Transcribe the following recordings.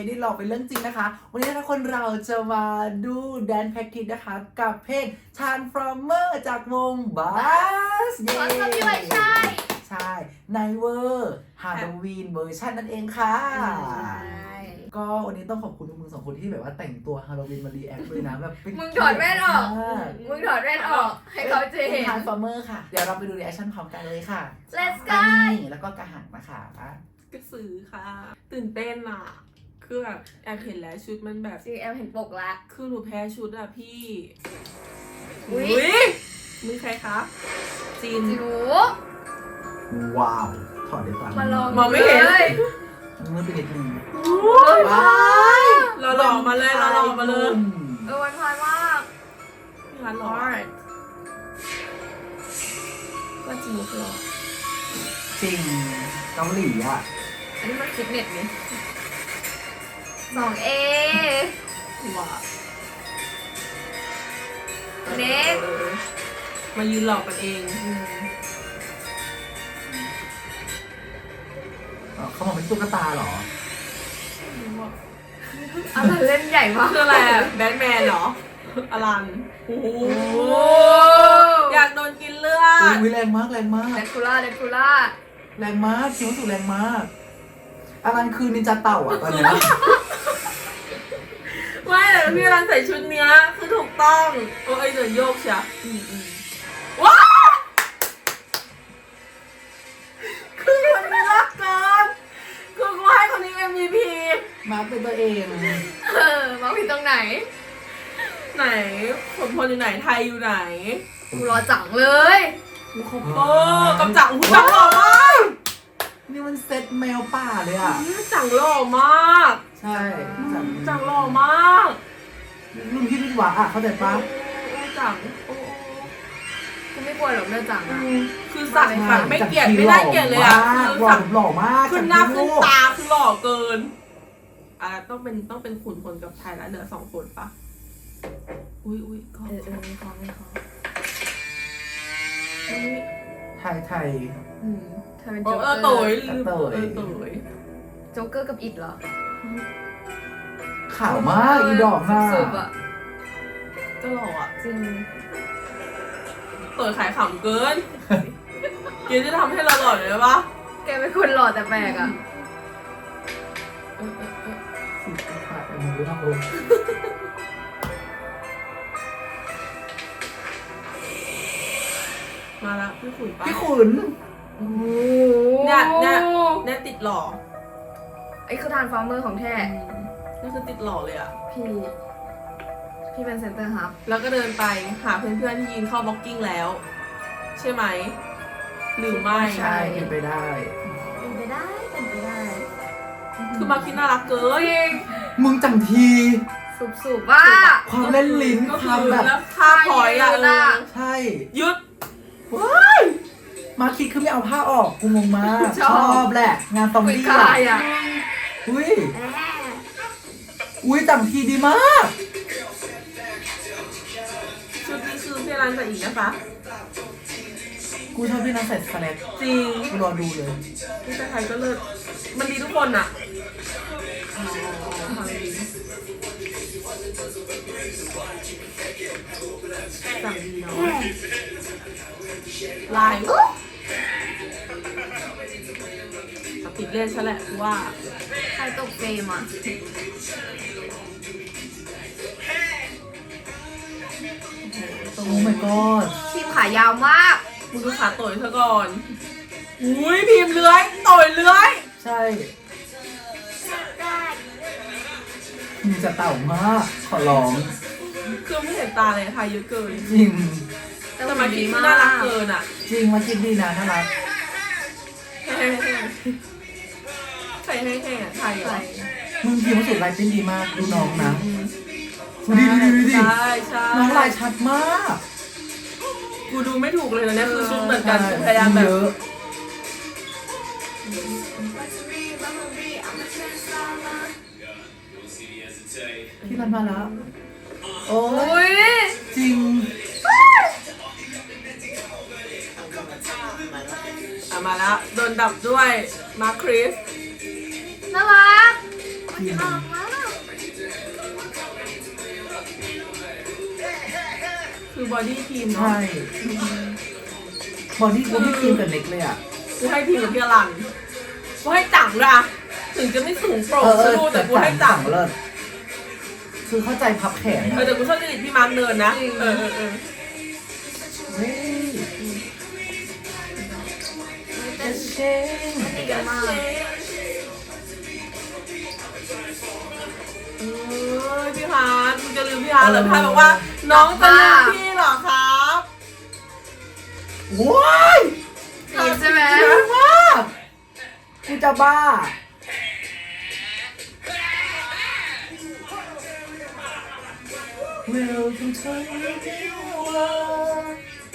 ได้หลอกเป็นเรื่องจริงนะคะวันนี้ทุกคนเราจะมาดูแดนแพ็กทิสนะคะกับเพลง Transformer จากวง Buzz ขอสพี่ไว้ใช่ใช่ในเวอร์ฮาโลวีนเวอร์ชันนั่นเองค่ะก็วันนี้ต้องขอบคุณมึงสองคนที่แบบว่าแต่งตัวฮาโลวีนมารีแอคเลยนะแบบมึงถอดแว่นออกมึงถอดแว่นออกให้เขาเจเห็น Transformer ค่ะเดี๋ยวเราไปดูรีแอคชั่นพร้อมกันเลยค่ะ Let's go แล้วก็กระหังนะคะกระสือค่ะ ตื่นเต้นอ่ะคือแบบแอบเห็นแล้วชุดมันแบบซีแอลเห็นปกละคือหนูแพ้ชุดอ่ะพี่อุ๊ยมึงใครคะจีนหนูว้าวถอดได้ปะมาลองมองไม่เห็นเลยมือเป็นนิดนึงว้ายเราหล่อมาเลยเราหล่อมาเลยวันพายมากพี่ร้านหล่อว่าจริงหรอจริงเกาหลีอ่ะอันนี้มันฟิตเนสนี่2A ว้าเน็กมายืนหลอกกันเองเขาบอกเป็นตุ๊กตาเหรออะไรเล่นใหญ่มากคืออะไรอะแบทแมนเหรออลันโอ้โหอยากโดนกินเลือดอุ้ยแรงมากแรงมากเดคูล่าแรงมากคิดว่าสุดแรงมากอลันคือนินจาเต่าอ่ะตอนเนี้ยไม่แต่พี่อลันใส่ชุดเนี้ยคือถูกต้องโอ้ยเดินโยกเชียว้าคือคนนี้รักเกินคือกูให้คนนี้ MVP มาเป็นตัวเองมาผิดตรงไหนไหนผมพลอยู่ไหนไทยอยู่ไหนกูรอจังเลยกูคอปเปอร์กำจังหูจังหล่อมากนี่มันเซ็ตแมวป่าเลยอ่ะจังหล่อมากใช่จังหล่อมากรุ่นพี่รุ่นหวาอ่ะเข้าใจปะจังโอ้กูไม่กลัวหรอกเนื้อจังอะคือสัตว์แบบไม่เกลียดไม่ได้เกลียดเลยอ่ะหล่อหล่อมากขึ้นหน้าขึ้นตาคือหล่อเกินต้องเป็นขุนพลกับไทยแล้วเหลือ2 คนปะอุ้ยก็ไม่ขอไทยเธอเป็นโอ้โจ๊กเกอร์โตยลืมโตยโจ๊กเกอร์กับอิดเหรอขาวมากอีดอกหน้าสุดอะก็หล่ออ่ะจริงโตยขายขำเกินเกียร์จะทำให้เราหล่อเลยปะแกเป็นคนหล่อแต่แปลกอะสิบกว่ามือครับผมมาละพี่ขุนปะพี่ขุนโอ้เนี่ยติดหล่อไอ้คือทานฟาร์มเมอร์ของแท้นี่คือติดหล่อเลยอ่ะพี่เป็นเซนเตอร์ฮับแล้วก็เดินไปหาเพื่อนๆที่ยืนเข้าบล็อกกิ้งแล้ว ใช่ไหมหรือไม่ใช่เป็นไปได้เป็นไปได้คือมาคิดน่ารักเกินมึงจังทีสุบว่าความเล่นลิ้นก็คคืวามอแบบแล้วท่าพอยอ่ะใช่หยุดมาคิดคือไม่เอาผ้าออกกูงงมากชอบแหละ งานซอมคุยบี้กายอะอุ้ยจังทีดีมากชุดนี้คือพี่รันใส่อีกนะคะกูชอบพี่นัทใส่สแลกจริงกูรอดูเลยพี่ชายไทยก็เลิศมันดีทุกคนอ่ะสั่งดีเนาะลายติดเล่นซะแหละกูว่าใครตกเฟรมอะโอ้ my god ทีมขายาวมากมึงดูขาต่อยเธอก่อน อุ้ยพิมพ์เลื้อยต่อยเลื้อยใช่มึงจะเต่ามากขอร้องคือไม่เห็นตาเลยทายเยอะเกินจริงแต่มาคิดน่ารักเกินอ่ะจริงมาคิดดีนะน่ารักใส่ให้แห้งไทยเหรอมึงทีมสุดลายเต้นดีมากดูน้องนะดูดิใช่ใช่น้องลายชัดมากกูดูไม่ถูกเลยนะเนี่ยคือชุดเหมือนกันพยายามแบบเยอะพี่รันมาแล้ว โอ้อุ้ยจริงมาแล้วโดนดับด้วยมาคริสน่ารักจริงน่ารักมากบอดี้ทีมเนาะใช่บอดี้กูไม่ทีมกับเน็กเลยอ่ะกูให้ทีมกับพี่อลันกูให้จังด้วยอะถึงจะไม่สูงโปร่งสรูแต่กูให้จังเลิศคือเข้าใจพับแขนนะแต่กูชอบจริตพี่มาร์คเนินนะเออเฮ้ยเต้นเช่งดีกันมากพี่ฮาร์ดมึงจะลืมพี่ฮาร์ดเหรอพี่ฮาร์ดบอกว่าน้องจะลืมพี่เหรอครับว้ายดีใช่ไหมเยอะมากกูจะบ้า Welcome to the world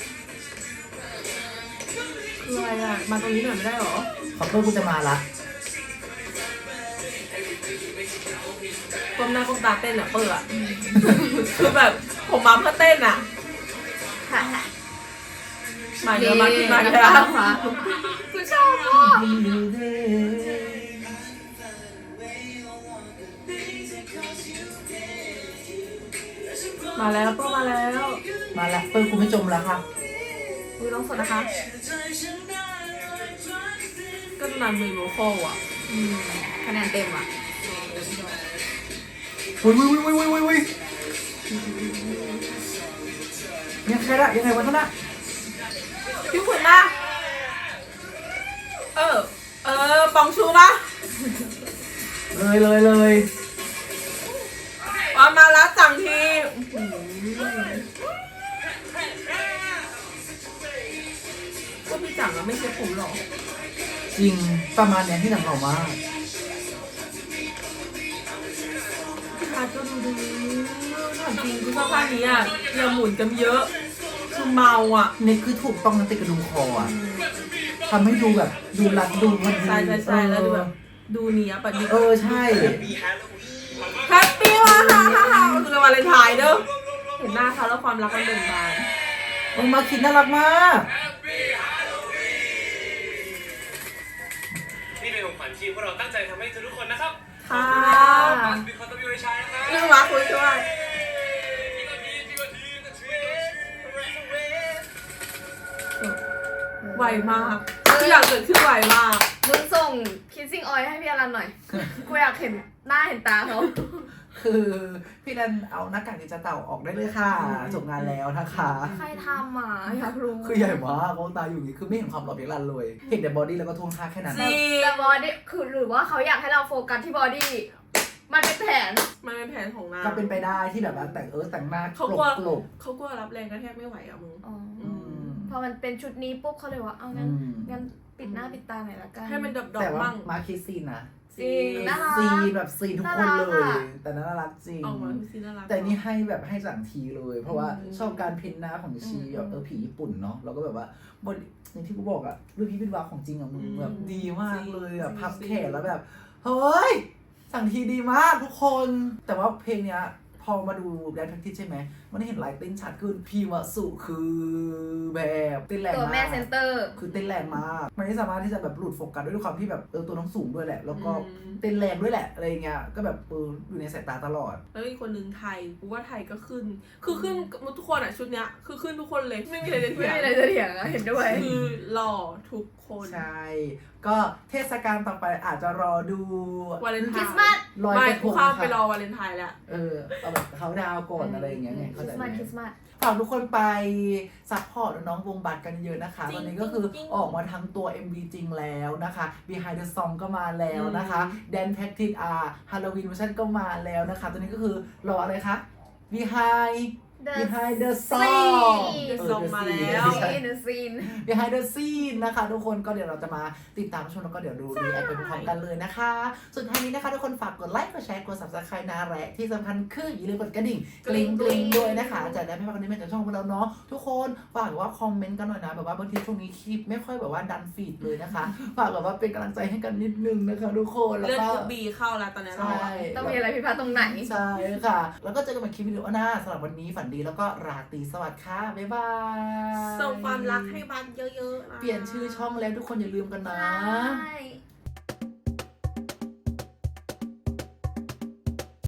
คืออะไรอ่ะมาตรงนี้หน่อยไม่ได้เหรอขอโทษกูจะมาละก้มหน้าก้มตาเต้นอ่ะเปิดอ่ะคือแบบผมมาเพื่อเต้นอ่ะค่ะมาเยอะมากขึ้นมาเยเยอะอะกูชอบมากมาแล้วเปิ้ลมาแล้วมาละเปิ้ลกูไม่จมแล้วค่ะอุ้ยน้องสดนะคะ ก็นานมีโวคอลอ่ะคะแนนเต็มอ่ะวุ้ยยังไงละยังไงวะท่านน่ะพี่ขุนนะปองชูปะเลยมาแล้วจังทีก็พี่จังอะไม่ใช่ผมหรอกจริงประมาณเนี้ยที่หนังออกมาพี่ฮาร์ดก็ดูดีถามจริงคือเสื้อผ้านี้อ่ะอย่าหมุนกันเยอะคือเมาอ่ะเนี่ยคือถูกต้องนะติดกระดุมคออ่ะทำให้ดูแบบดูรัดดูพอดีใช่แล้วดูแบบดูเนี้ยปะดิใช่แฮปปี้ว่ะฮ่าคือวาเลนไทน์เด้อเห็นหน้าเขาแล้วความรักมันเบ่งบานมึงมาคิดน่ารักมากนี่เป็นของขวัญทีมพวกเราตั้งใจทำให้ทุกคนนะครับค่ะมีคนต้องมีไว้ใช้นะครับเรื่องรักคุยด้วย ไวมากทุกอย่างเกิดขึ้นไวมากมึงส่ง kissing oil ให้พี่อลันหน่อย กูอยากเห็นหน้าเห็นตาเขาคือพี่ดันเอาหน้ากากดิจิตอลออกได้เลยค่ะจบงานแล้วนะคะใครทำอ่ะอยากรู้คือใหญ่มากมองตาอยู่อย่างนี้คือไม่เห็นความหล่อเพียงรันเลย เห็นแต่บอดี้แล้วก็ท่วงท่าแค่นั้นจริงแต่บอดี้คือหรือว่าเขาอยากให้เราโฟกัสที่บอดี้ มันเป็นแผนมันเป็นแผนของนางก็เป็นไปได้ที่แบบว่าแต่งหน้าเขากลัวกลบเขากลัวรับแรงกระแทกไม่ไหวอ่ะมึงอ๋ออืมพอมันเป็นชุดนี้ปุ๊บเขาเลยว่า เอางั้นงั้นปิดหน้าปิดตาหน่อยละกันให้มันดแต่อกๆว่ามั่งมาคิดซีนนะจริงน่ารักซีนแบบซีนทุกคนน่ารักเลยอะแต่น่ารักจริงออกมาคือซีน่ารักแต่นี่ให้แบบให้จังทีเลย เพราะว่าอืมชอบการเพ้นหน้าของชีแบบผีญี่ปุ่นเนาะแล้วก็แบบว่าบนอย่างที่กูบอกอะรูปพี่เป็นวาของจริงอะมึงแบบดีมากเลยอะพับแขนแล้วแบบเฮ้ยสั่งทีดีมากทุกคน แต่ว่าเพลงเนี้ยพอมาดูแดนแพคทิสใช่ไหมมันเห็นลายเต้นชัดขึ้นพีวะสุคือแบบเต้นแรงตัวมากแม่เซนเตอร์คือเต้นแรงมากมันไม่สามารถที่จะแบบหลุดโฟกัสด้วยความที่แบบตัวน้องสูงด้วยแหละ แล้วก็อืมเต้นแรงด้วยแหละอะไรเงี้ยก็แบบอยู่ในสายตาตลอดแล้วอีกคนนึงไทยกูว่าไทยก็ขึ้น คือขึ้นทุกคนอ่ะชุดเนี้ยคือขึ้นทุกคนเลยไม่มีอะไรจะไม่เถียงมีอะไรจะเถียงอะเห็นด้วยคือหล่อทุกคนใช่ ก็เทศกาลต่อไปอาจจะรอดูวาเลนไทคริน์สต์มาสลอยไม่กระทกูงข้ามไปรอค่ะวาเลนไทน์แล้วเอาแบบเขาดาวน์ก่อนอะไรอย่างเงี้ยไงคเข้าริใจสต์ไหมาม สคริสต์มาสฝากทุกคนไปซัพพอร์ตน้องวงบัตรกันเยอะนะคะจริงตอนนี้ก็คือจริงออกมาทั้งตัว MV จริงแล้วนะคะ Behind the Song ก็มาแล้วนะคะ Dance Practice Halloween Version ก็มาแล้วนะคะ ตอนนี้ก็คือรออะไรคะ Behind the Song The Song มาแล้วซีนซีน Behind the Scene นะคะทุกคนก็เดี๋ยวเราจะมาติดตามชมแล้วก็เดี๋ยวดูรีแอคไปพร้อมกันเลยนะคะสุดท้ายนี้นะคะทุกคนฝากกดไลค์กดแชร์กด Subscribe นะและที่สำคัญคืออย่าลืมกดกระดิ่งกริ๊งกริ๊งด้วยนะคะจะได้ไม่พลาดคอนเทนต์จากช่องของเราเนาะทุกคนฝากว่าคอมเมนต์กันหน่อยนะแบบว่าบางทีช่วงนี้คลิปไม่ค่อยแบบว่าดันฟีดเลยนะคะฝากแบบว่าเป็นกำลังใจให้กันนิดนึงนะคะทุกคนแล้วเลือดก็กรุ๊ปบีเข้าแล้วตอนนี้เราใช่ต้องมีอะไรผิดพลาดตรงไหนใช่ค่ะ แล้วก็เจอกันใหม่คลิปวิดีโอหน้าสำหรับวันนี้ฝันดีแล้วก็ราตรีสวัสดิ์ค่ะ บ๊ายบายส่งความรักให้บ้านเยอะๆนะเปลี่ยนชื่อช่องแล้วทุกคนอย่าลืมกันนะใช่